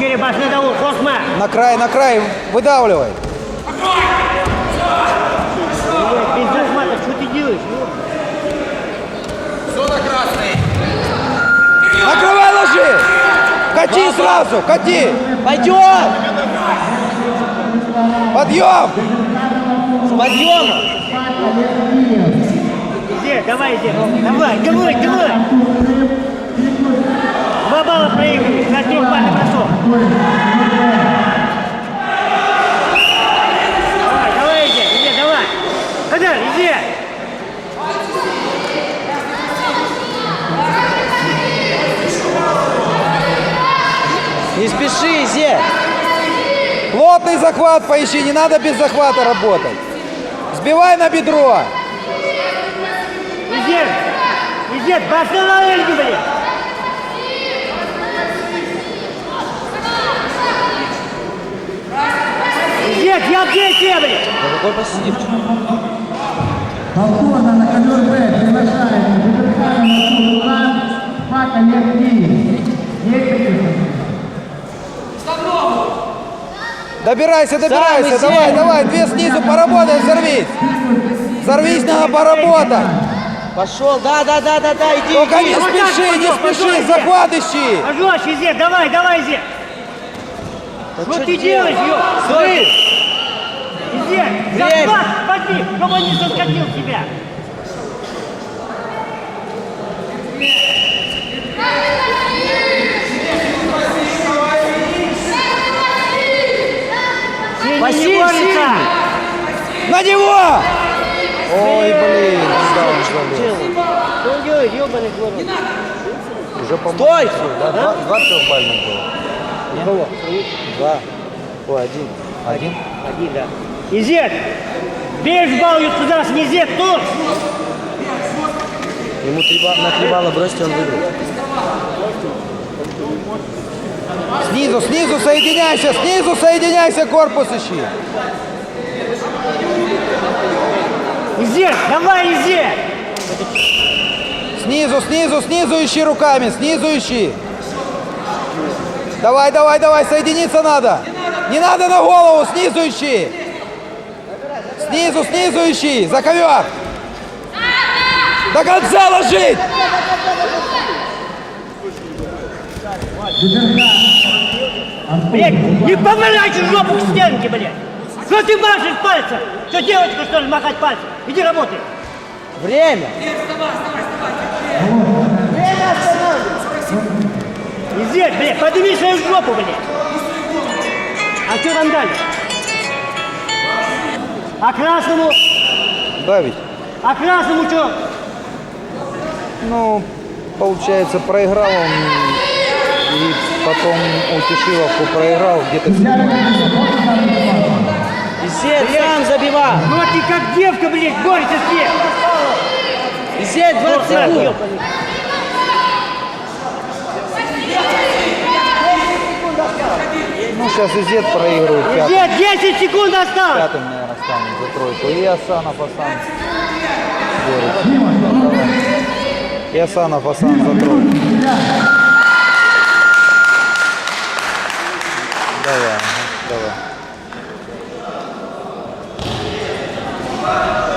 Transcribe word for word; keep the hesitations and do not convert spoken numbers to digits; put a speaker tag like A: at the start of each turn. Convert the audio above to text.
A: Biri başına davul, korkma.
B: На край, на край, выдавливай.
A: Без захвата, что ты делаешь?
C: Зона красная.
B: Накрывай, ложи. Кати сразу, кати.
D: Пойдем!
B: Подъем.
D: С подъема!
A: Иди, давай, иди. Давай, давай, давай. Два балла проигрывай, на трехбальный бросок. Давай, давай, иди, иди, давай. Хадар, иди.
D: Не спеши, Зе!
B: Плотный захват поищи, не надо без захвата работать. Сбивай на бедро.
A: Иди, иди, бросай на Эльгу, блин. Иди, я где тебя, блин?
D: Да какой посидевчик?
E: Повторно на ковер Б приглашается Бедрхайм Иван, Фака Левки.
B: Добирайся, добирайся,
D: Сам
B: давай,
D: иди.
B: давай, две снизу, поработай, взорвись. Взорвись, надо поработать.
D: Пошел, да, да, да, да, да, иди,
B: Только не
D: иди.
B: спеши, не
A: пошел,
B: спеши,
A: пошел,
B: захват ищи.
A: Пожалуйста, Зе, давай, давай, Зе.
D: Да
A: Что
D: чё
A: ты
D: делаешь?
A: делаешь, ё?
D: Стой!
A: Зе,
D: Время.
A: захват, подни, чтобы он не соскочил тебя. Синий
D: Василий,
A: не борется.
D: синий.
B: На него! Ой, блин, куда он залез?
A: Что он делает, ёбаный город?
B: Уже, по-моему,
D: Стой!
B: всё, да? Два, два трехбальных было.
A: У кого?
B: Два. Ой, один. Один?
A: Один, да. Изет! Бей балл, туда, не Изет, тут!
D: Ему три ба- на три балла бросьте, он выиграет.
B: Снизу, снизу соединяйся, снизу соединяйся, корпус ищи.
A: Изет, давай, Изет!
B: Снизу, снизу, снизу ищи руками, снизу ищи. Давай, давай, давай, соединиться надо. Не надо на голову, снизу ищи. Снизу, снизу ищи, за ковер. До конца ложить.
A: Блядь, не помогайте жопу к стенке, блядь! Что ты машешь пальцем? Что девочка, что ли, махать пальцем? Иди работай!
D: Время!
A: Изет, блядь, подними свою жопу, блядь! А что там дальше? А красному?
B: Да ведь.
A: А красному что?
B: Ну, получается, проиграл он и потом у Тишиловку проиграл где-то.
D: Изет, сам забивай!
A: Ну а ты как девка, блядь, борется с ней!
D: Изет, двадцать секунд!
B: Ну, сейчас Изет проигрывает пятым.
A: Изет, десять секунд осталось!
B: Пятым, наверное, станет за тройку. И Асанов Асан борется. И Асанов Асан за тройку. Давай, ага, давай.